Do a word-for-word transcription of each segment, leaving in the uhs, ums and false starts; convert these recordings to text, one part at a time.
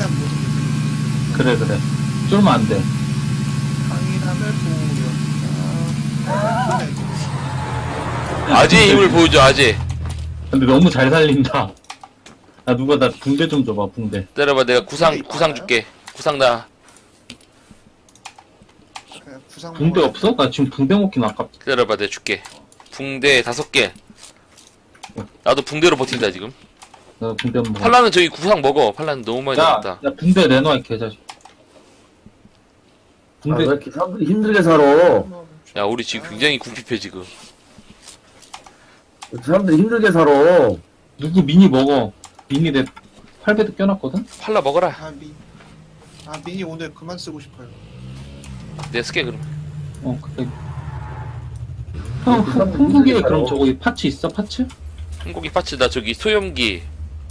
안 보는 그래 그래 쫄면 안돼. 강인함을 보였다. 아재의 힘을 보여줘 아재. 근데 너무 잘 살린다. 아 누가 나 붕대 좀 줘봐 붕대. 때려봐 내가 구상 구상 줄게. 구상 나. 그냥 구상 붕대 먹어야 없어? 나 지금 붕대 먹긴 아깝다. 때려봐 내가 줄게. 붕대 다섯 개. 나도 붕대로 버틴다 지금. 나 붕대 먹어. 팔라는 저기 구상 먹어. 팔라는 너무 많이 야, 남았다. 야 붕대 내놔 이 개자식. 아, 붕대 왜 이렇게 사람들이 힘들게 살아? 야 우리 지금 굉장히 궁핍해 지금. 사람들이 힘들게 살아. 누구 미니 먹어. 미니 내 팔배도 껴놨거든? 팔라 먹어라. 아, 미, 아, 미니 오늘 그만 쓰고 싶어요. 내가 쓸게 그럼. 어 그래. 형 후- 풍부기에 그럼 저거 파츠 있어 파츠? 한고기 파츠 나 저기 소염기.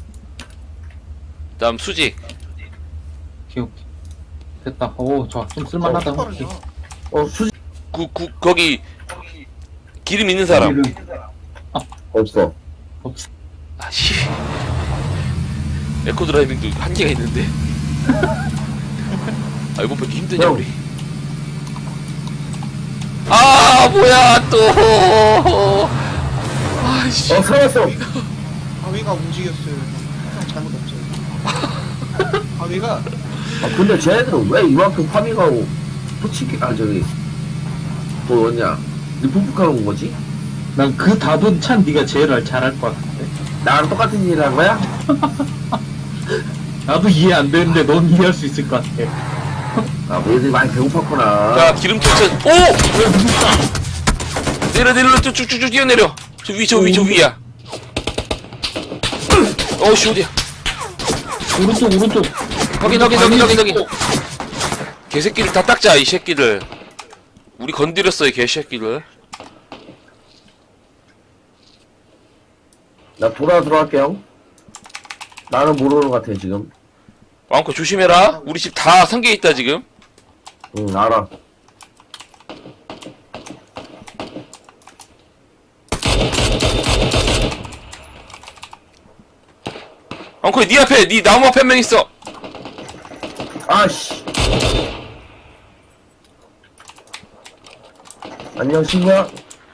다음 수직. 오케이 오케이. 됐다. 오 좋아 좀 쓸만하다. 어, 오케이. 빠르죠. 어, 수지 구, 구, 거기 기름 있는 사람. 없어. 없어. 아씨. 에코 드라이빙도 한계가 있는데. 아 이번 번 힘드냐 형. 우리? 아 뭐야 또. 아씨. 어, 살았어. 바위가 움직였어요. 형 잘못 없어요. 바위가 아, 근데 쟤네들은 왜 이만큼 파밍하고 포치기, 아, 저기, 뭐, 뭐냐, 리포프카로 온 거지? 난 그 답은 참 네가 제일 잘할 것 같은데. 나랑 똑같은 일을 한 거야? 나도 이해 안 되는데 넌 이해할 수 있을 것 같아. 아, 뭐 얘들이 많이 배고팠구나. 자 기름 쫓아. 오. 내려 내려 쭉쭉쭉 뛰어내려. 저 위 저 위 저 위야. 어씨 어디야? 오른쪽 오른쪽. 확인 확인 확인 확인 확인. 개새끼를 다 닦자 이 새끼들. 우리 건드렸어 이 개새끼들. 나 돌아 들어갈게요. 나는 모르는 것 같아, 지금. 왕코 조심해라. 우리 집 다 상계 있다 지금. 응, 알아. 왕코 니 앞에 니 나무 앞에 한 명 있어. 아씨. 안녕, 친구야.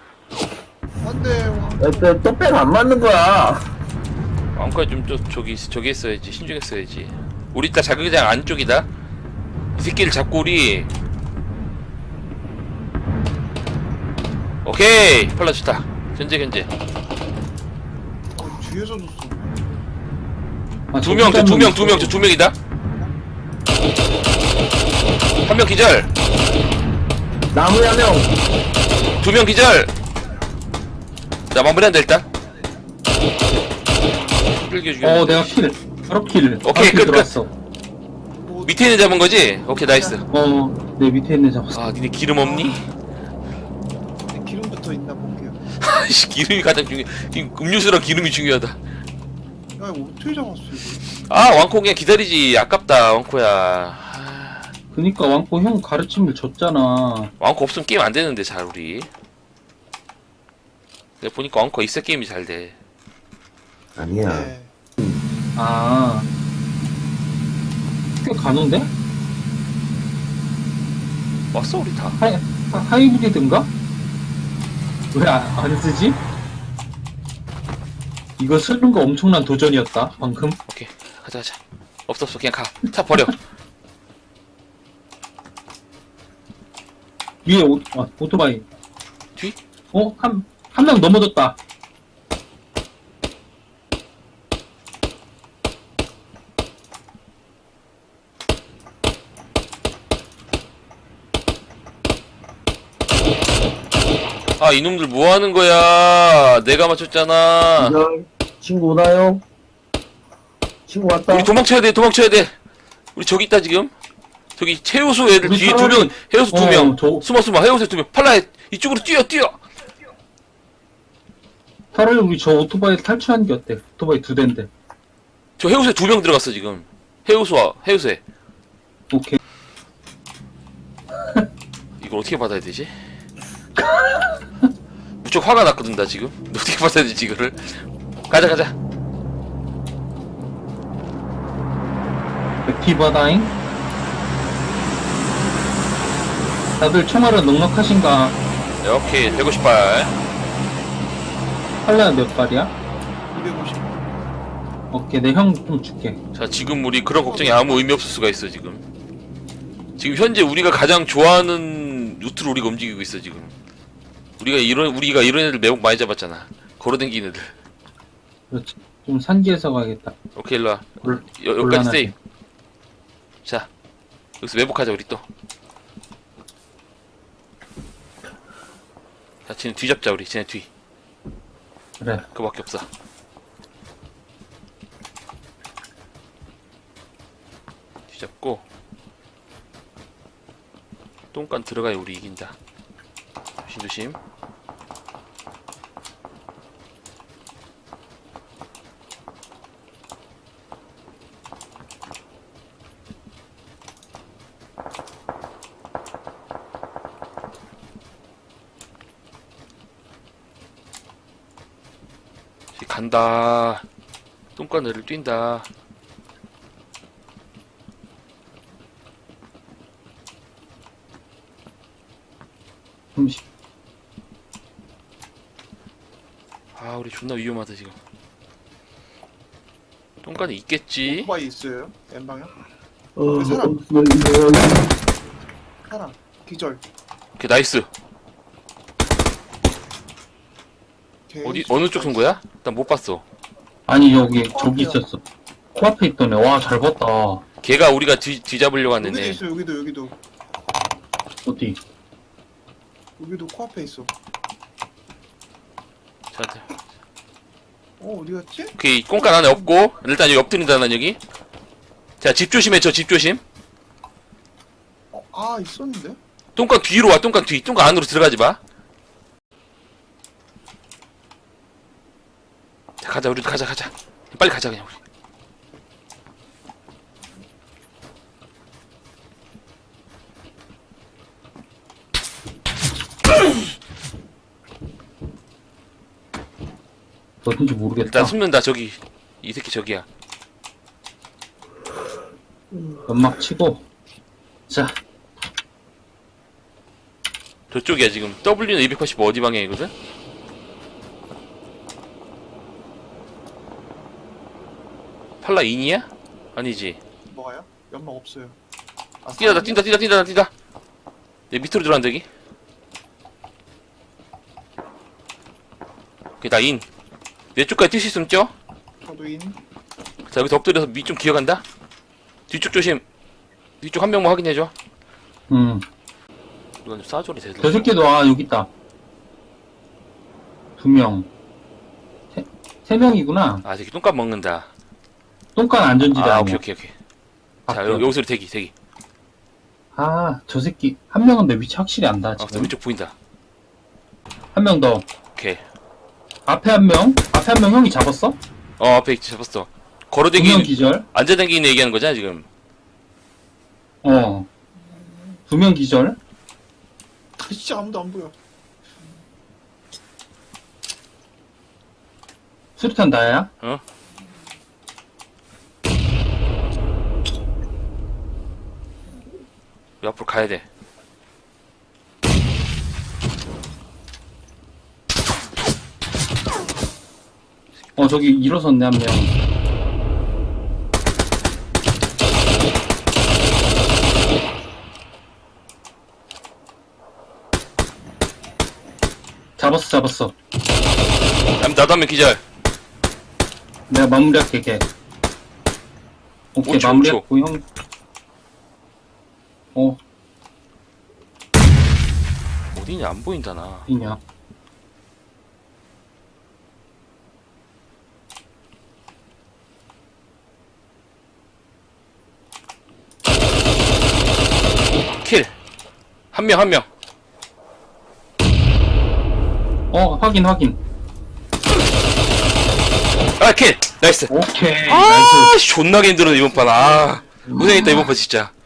안돼. 왜, 떡배가 안 맞는 거야? 왕코야 좀 저, 저기 저기 했어야지. 신중했어야지. 우리 이따 자극장 안쪽이다. 이 새끼를 잡고 우리. 오케이 팔라 좋다. 견제 견제. 어, 뒤에서도 쏘. 아, 두 명, 저 두 명, 두 명, 저 두 명이다. 한 명 기절, 나무에 한 명. 두 명 기절. 자 마무리한다 일단. 끌겨 죽여. 어 내가 킬. 바로 킬. 오케이, 바로 킬 끝, 끝. 들어왔어. 뭐, 밑에 있는 잡은 거지? 오케이 나이스. 어내 밑에 있는 잡았어. 아 니네 기름 없니? 네, 기름부터 있나 볼게요. 아이씨 기름이 가장 중요. 이 음료수랑 기름이 중요하다. 야 이거 어떻게 잡았어 이거? 아 왕코 그냥 기다리지. 아깝다 왕코야. 아, 그니까 왕포 형 가르침을 줬잖아. 왕코 없으면 게임 안 되는데 잘 우리. 내가 보니까 왕코 있어 게임이 잘 돼. 아니야. 네. 아. 꽤 가는데? 왔어 우리 다. 하이, 하, 하이브리드인가? 왜 안 쓰지? 이거 쓰는 거 엄청난 도전이었다, 방금. 오케이 가자 가자. 없어 없어 그냥 가. 차 버려. 위에 오, 아, 오토바이. 뒤? 어? 한, 한 명 넘어졌다. 아 이놈들 뭐하는 거야. 내가 맞췄잖아. 안녕. 친구 오나요? 친구 왔다. 우리 도망쳐야 돼 도망쳐야 돼. 우리 저기 있다 지금. 저기 해우소 애들 우리 뒤에 차라리- 두명 해우소 어, 두명 저- 숨어 숨어 해우소 두명 팔라 이쪽으로 뛰어 뛰어. 차라리 우리 저 오토바이 탈출하는 게 어때? 오토바이 두 대인데. 저 해우소에 두 명 들어갔어 지금. 해우소와 해우소에. 오케이. 이걸 어떻게 받아야 되지? 무척 화가 났거든 나 지금. 어떻게 받아야 되지 이거를? 가자 가자. 액티버다잉. 다들 총알은 넉넉하신가? 네, 오케이 백오십 발. 팔레가 몇 발이야? 이백오십. 오케이, 내 형 좀 줄게. 자 지금 우리 그런 걱정이 아무 의미 없을 수가 있어 지금. 지금 현재 우리가 가장 좋아하는 루트로 우리가 움직이고 있어 지금. 우리가 이런 우리가 이런 애들 매복 많이 잡았잖아. 걸어댕기는 애들. 그렇지. 좀 산지에서 가야겠다. 오케이 일로와. 곤- 여, 여기까지 곤란하지. 세이. 자 여기서 매복하자 우리 또. 자 쟤네 뒤 잡자 우리 쟤네 뒤. 그래. 그거밖에 없어. 뒤 잡고 똥간 들어가야 우리 이긴다. 조심 조심. 이제 간다. 똥간을 뛴다. 삼십. 아 우리 존나 위험하다 지금. 똥간이 있겠지. 오토바이 있어요? N방향? 어, 그 사람. 어, 뭐, 이거, 하나. 기절. 오케이 나이스. 오케이. 어디 어느 쪽 쏜 거야? 난 못 봤어. 아니, 여기, 저기 있었어. 코앞에 있던 애. 와, 잘 봤다. 걔가 우리가 뒤 뒤잡으려고 하는 여기도 애. 있어, 여기도, 여기도. 어디? 여기도 코앞에 있어. 자, 어, 어디 갔지? 오케이 똥간 안에 없고 일단 여기 엎드린다 난 여기. 자 집 조심해 저 집 조심. 어, 아, 있었는데? 똥간 뒤로 와 똥간 뒤. 똥간 안으로 들어가지 마. 자 가자 우리도 가자 가자. 빨리 가자 그냥 우리. 어딘지 모르겠다. 일단 숨는다 저기. 이 새끼 저기야. 연막 치고. 자, 저쪽이야 지금. W는 이백팔십오 어디 방향이거든? 팔라 인이야? 아니지. 뭐가요? 연막 없어요. 아, 뛴다 뛴다 뛴다 뛴다 뛴다. 내 밑으로 들어간다 여기. 오케이 나 인. 내 쪽까지 뛸 수 있으면 뛰어. 저도 인. 자 여기서 엎드려서 밑 좀 기어간다. 뒤쪽 조심. 뒤쪽 한 명만 확인해줘. 음. 이건 좀 싸줘리 되들. 저 새끼도, 아, 여기 있다. 두 명. 세, 세 명이구나. 아 저기 똥값 먹는다. 똥간 안전지대 아 아니야. 오케이 오케이 오케이. 아, 자 그래. 여기, 여기서 대기 대기. 아, 저 새끼. 한 명은 내 위치 확실히 안다, 아 지금. 왼쪽 보인다. 한 명 더. 오케이. 앞에 한 명? 앞에 한 명 형이 잡았어? 어 앞에 있지, 잡았어. 두 명 걸어댕기는 기절? 앉아댕기는 얘기하는 거잖아 지금. 어. 두 명 기절? 진짜 아무도 안 보여. 수류탄 나야? 어? 우리 앞으로 가야 돼. 어, 저기 일어섰네, 한 명. 잡았어, 잡았어. 남- 나도 한 명 기절. 내가 마무리할게, 걔. 오케이, 오 초, 마무리했고, 형. 어, 어디냐 안 보인다 나. 어디냐. 킬. 한 명 한 명. 어, 확인, 확인. 아 킬. 나이스. 오케이, 나이스. 아 씨, 존나게 힘들어 이번 판. 아 고생했다 이번 판 진짜.